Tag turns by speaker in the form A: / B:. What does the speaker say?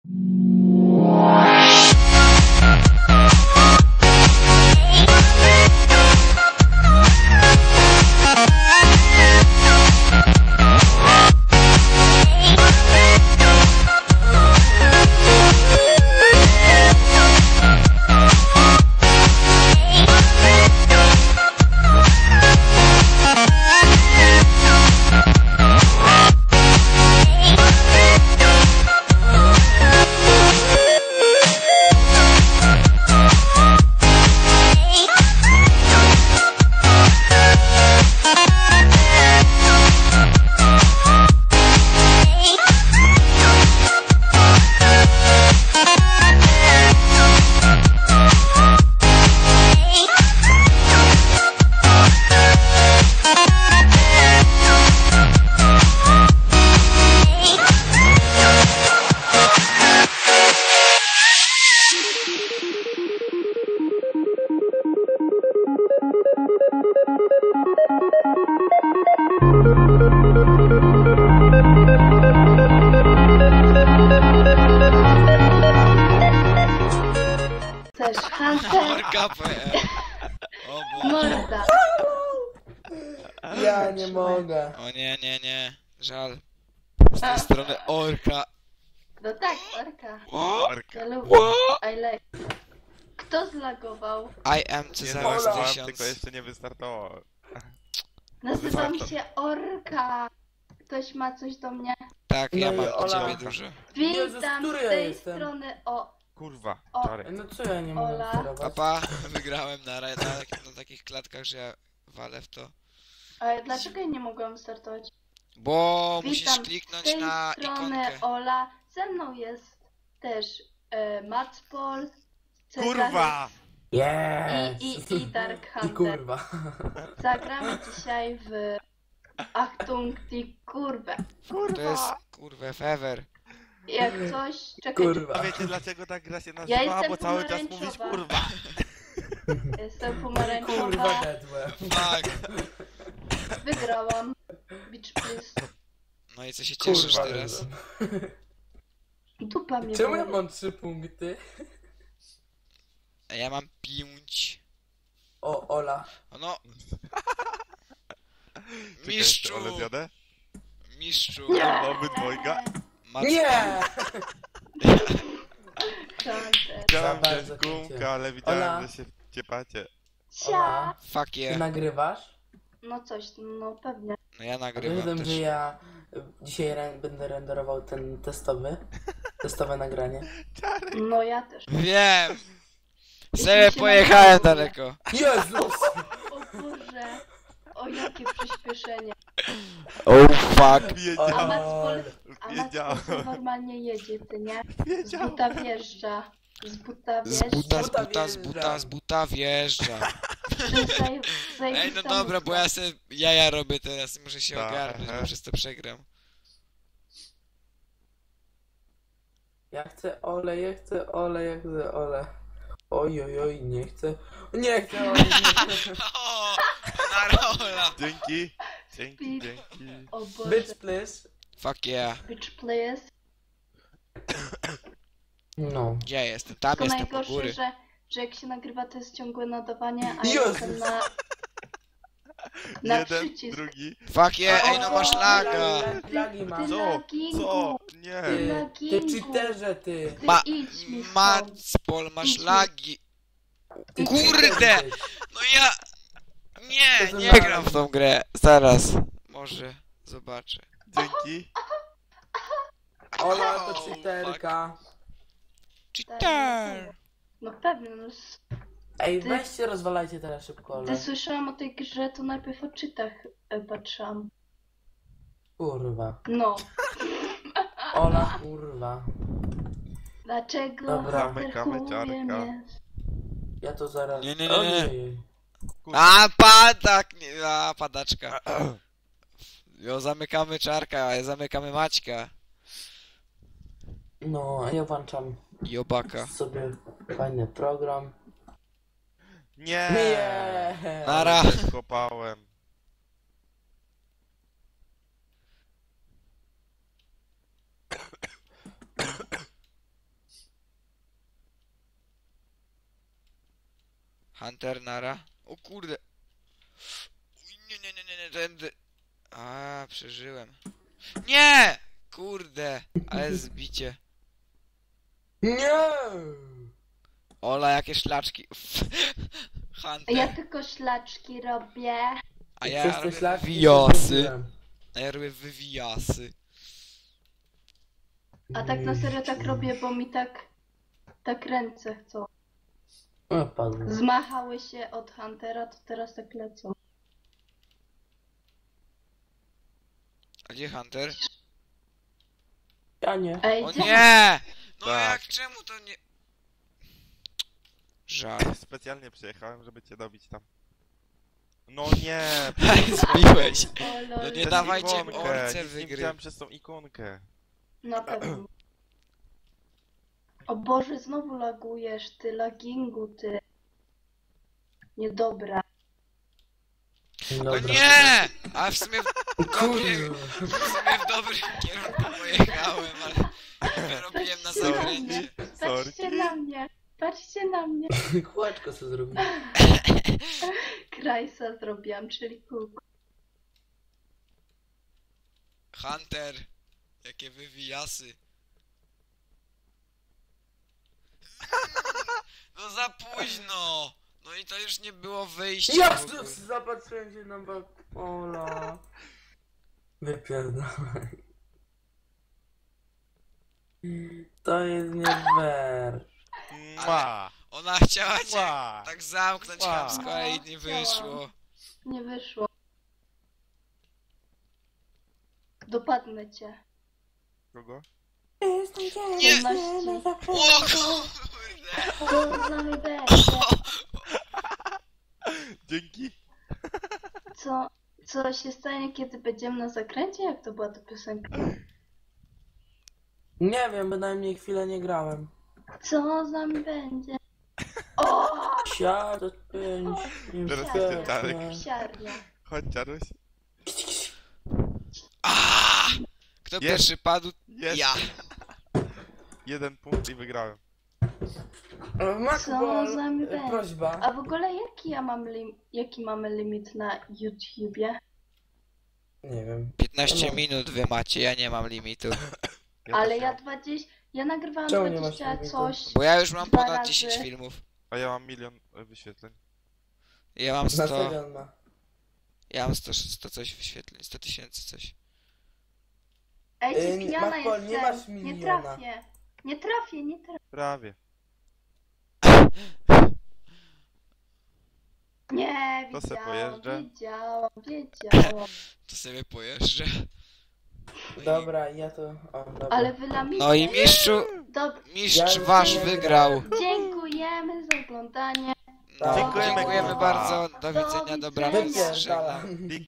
A: Też Hunter.
B: Morkapę. O Boże.
A: Morda.
C: Ja nie mogę.
B: O nie, nie, nie. Żal. Z tej strony orka.
A: No tak, orka.
D: Orka.
A: Ja lubię. I like. Kto zlagował?
B: I am
D: Nie
B: Cezar
D: załadowałem,
B: 1000.
D: tylko jeszcze nie wystartowało.
A: Nazywam się Orka. Ktoś ma coś do mnie?
B: Tak, ja
C: No i
B: mam do
C: Ola.
B: ciebie dużo.
C: Jezus,
A: Witam z
C: który ja
A: tej
C: jestem?
A: strony o...
D: Kurwa,
A: O.
D: czary.
C: No co ja nie mogę
A: Ola.
C: sterować?
B: Papa, wygrałem na takich klatkach, że ja walę w to.
A: Ale dlaczego ja nie mogłam startować?
B: Bo musisz
A: Witam z
B: kliknąć
A: tej
B: na
A: strony
B: ikonkę.
A: Ola. Ze mną jest też Matspol, Cezar
D: Kurwa!
C: Yes!
A: i Dark
C: I
A: Hunter.
C: kurwa.
A: Zagramy dzisiaj w Achtung die Kurve.
B: To jest kurwa fever.
A: Jak coś... Czekaj,
C: Kurwa.
D: A wiecie dlaczego ta gra się
A: Ja
D: nazywa?
A: jestem
D: Bo cały czas
A: pomarańczowa.
D: mówisz kurwa.
A: jestem
C: Kurwa
A: pomarańczowa.
C: dedłe.
B: Tak.
A: Wygrałam. Beach please.
B: No i co się cieszysz
C: Kurwa
B: teraz?
C: dedłe.
A: Dupa mnie
C: Czemu ja
A: boli.
C: mam 3 punkty?
B: A ja mam 5.
C: O, Ola.
B: No.
D: Czekaj,
B: Mistrzu!
D: ale zjadę?
B: Mistrzu!
D: Kurwa, obydwojga.
C: Nie!
A: Hunter.
D: Chciałem
C: Za
D: wziąć
C: bardzo
D: gumkę,
C: cię.
D: ale widziałem,
C: Ola.
D: że się ciepacie.
A: Cia.
B: Fuck
C: Ty
B: yeah.
C: nagrywasz?
A: No coś, no pewnie.
B: No ja
C: A
B: nagrywam
C: wiem,
B: też.
C: że ja dzisiaj będę renderował ten testowe nagranie.
A: No ja też.
B: Wiem!
A: Jeśli
B: Sobie
A: się
B: pojechałem
A: nagrywam.
B: daleko.
C: Jezus!
A: O Boże. O jakie przyspieszenie.
B: Oh fuck.
A: A
D: Wiedziałem,
A: Matspol
D: wiedziałem,
A: normalnie jedzie, ty nie? Z
D: wiedziałem.
A: buta wjeżdża. Z buta
B: Z buta, z
A: wjeżdża.
B: buta, z buta, z buta wjeżdża. Ej, no dobra, bo ja sobie jaja robię teraz, muszę się
D: Tak,
B: ogarnąć,
D: aha.
B: bo przez to przegram.
C: Ja chcę ole, ja chcę ole, ja chcę ole. Oj, oj, oj, nie chcę. Nie chcę ole, nie chcę.
B: O, na rola.
D: Dzięki, dzięki, dzięki.
A: O Boże.
C: Bitch, please.
B: Fuck yeah.
A: Bitch please.
C: No.
B: Gdzie ja jestem? Tam
A: To
B: jestem po
A: najgorsze,
B: góry.
A: że jak się nagrywa, to jest ciągłe nadawanie, a ja
C: Jezus.
A: jestem na
D: Jeden,
A: przycisk.
D: drugi.
B: Fuck yeah, ej no
A: O,
B: masz laga.
C: Lagi
A: Ty
C: mam.
D: Co?
A: lagingu.
D: Co? Nie.
C: Ty cheaterze, ty.
A: Ty
B: Ma-
A: idź mi stąd.
B: Matspol, masz
A: Idź mi.
B: lagi.
C: Ty
B: Kurde!
C: cheaterze, ty.
B: No ja... Nie,
C: To
B: nie
C: za-
B: gram w tą grę. Zaraz. Może zobaczę.
D: Dzięki.
C: Ola to
B: Oh,
C: cheaterka.
B: Cheater!
A: No pewnie, no.
C: Ej,
A: Ty-
C: weźcie, rozwalajcie teraz szybko,
A: Gdy
C: Ole.
A: słyszałam o tej grze, to najpierw o czytach patrzyłam.
C: Kurwa.
A: No.
C: Ola, kurwa.
A: Dlaczego
C: Dobra.
D: Zamykamy
A: zerkuje
D: ciarka.
A: mnie?
C: Ja to zaraz...
B: Nie, nie, nie, nie.
C: Ojej.
B: A, padak! Nie, a, padaczka. Jo, zamykamy czarka, a zamykamy Maćka.
C: No, a ja włączam
B: Jobaka.
C: sobie fajny program.
D: Nie.
C: Nie.
B: Nara.
D: Kopałem.
B: Hunter, nara. O kurde. Uj, nie, tędy. A, przeżyłem. Nie! Kurde, ale zbicie.
C: Nie!
B: Ola, jakie szlaczki. Hunter.
A: Ja tylko ślaczki robię.
B: A ja
C: Przez te
B: robię
C: szlaki się
B: wywijasy.
C: zgubiłem.
B: A ja robię wywijasy.
A: A tak na serio tak robię, bo mi tak ręce chcą.
C: O, padłem.
A: Zmachały się od Huntera, to teraz tak lecą.
B: A gdzie Hunter?
C: Ja nie.
A: Ej,
B: O
A: gdzie?
B: nie! No
D: Tak.
B: jak, czemu to nie... Żal.
D: Specjalnie przyjechałem, żeby cię dobić tam. No nie!
B: Zbiłeś.
A: O, lol.
B: No nie
D: Przez
B: dawajcie
D: ikonkę,
B: orce
D: nic nie
B: wygry.
D: widziałem przez tą ikonkę.
A: Na pewno. O Boże, znowu lagujesz, ty lagingu, ty. Niedobra.
B: No
C: Dobra.
B: nie! A w sumie
C: Kurde.
B: w dobrym kierunku pojechałem, ale wyrobiłem na
A: Patrzcie na
B: zakręcie.
A: mnie,
D: Sorry.
A: patrzcie na mnie, patrzcie na mnie.
C: Kółeczko co zrobiłem.
A: Krajsa zrobiłam, czyli kółko.
B: Hunter, jakie wywijasy. No za późno! No i to już nie było wyjścia
C: Ja
B: w ogóle.
C: zapatrzyłem się na Ola. Wypierdolaj. To jest nie fair.
D: Mua!
B: Ona chciała cię
D: Mua!
B: tak zamknąć
D: Wow.
B: chamsko, ale jej nie
A: Chciałam.
B: wyszło.
A: Nie wyszło. Dopadnę cię.
D: Kogo?
B: Nie!
A: Wolności.
B: O kurde!
A: Co z nami będzie?
D: Dzięki!
A: Co się stanie, kiedy będziemy na zakręcie? Jak to była ta piosenka?
C: Nie wiem, bynajmniej chwilę nie grałem.
A: Co z nami będzie? O!
C: Siadł 5.
D: Teraz
A: jest
D: ten Czarek.
A: Psiarnia.
D: Chodź, Czaruś.
B: Aaaa! Kto
D: Jest.
B: pierwszy padł?
D: Jest!
B: Ja.
D: 1 punkt i wygrałem.
A: Co z nami będzie?
C: Prośba.
A: A w ogóle jaki mamy limit na YouTubie?
C: Nie wiem.
B: 15
C: No.
B: minut wy macie, ja nie mam limitu.
A: Ale
D: też
A: ja
D: mam.
A: 20... Ja nagrywałam
C: Czemu nie masz
A: 20
C: limitu?
A: coś...
B: Bo ja już mam
A: Dwa
B: ponad
A: razy.
B: 10 filmów.
D: A ja mam 1 000 000 wyświetleń.
B: Ja mam
C: Na
B: 100...
C: stadion ma.
B: Ja mam 100 coś wyświetleń, 100 000 coś.
A: Ej,
C: Ej,
A: ci pijana
C: Marko, nie
A: jestem.
C: masz
A: Nie
C: miliona.
A: trafię. Nie trafię.
D: Prawie.
A: Nie,
D: To se
A: wiedziałam,
D: pojeżdżę.
A: wiedziałam.
B: To sobie pojeżdżę. No i-
C: Dobra, ja to... O, dobra.
A: Ale wy lamicie.
B: No i mistrzu, mistrz
C: Ja
B: wasz
C: nie
B: wygrał.
A: Dziękujemy za oglądanie.
B: No,
C: Dziękujemy,
B: dziękujemy
D: kurwa.
B: bardzo, do widzenia, dobranoc,
C: Wypierdala.
B: żegnam.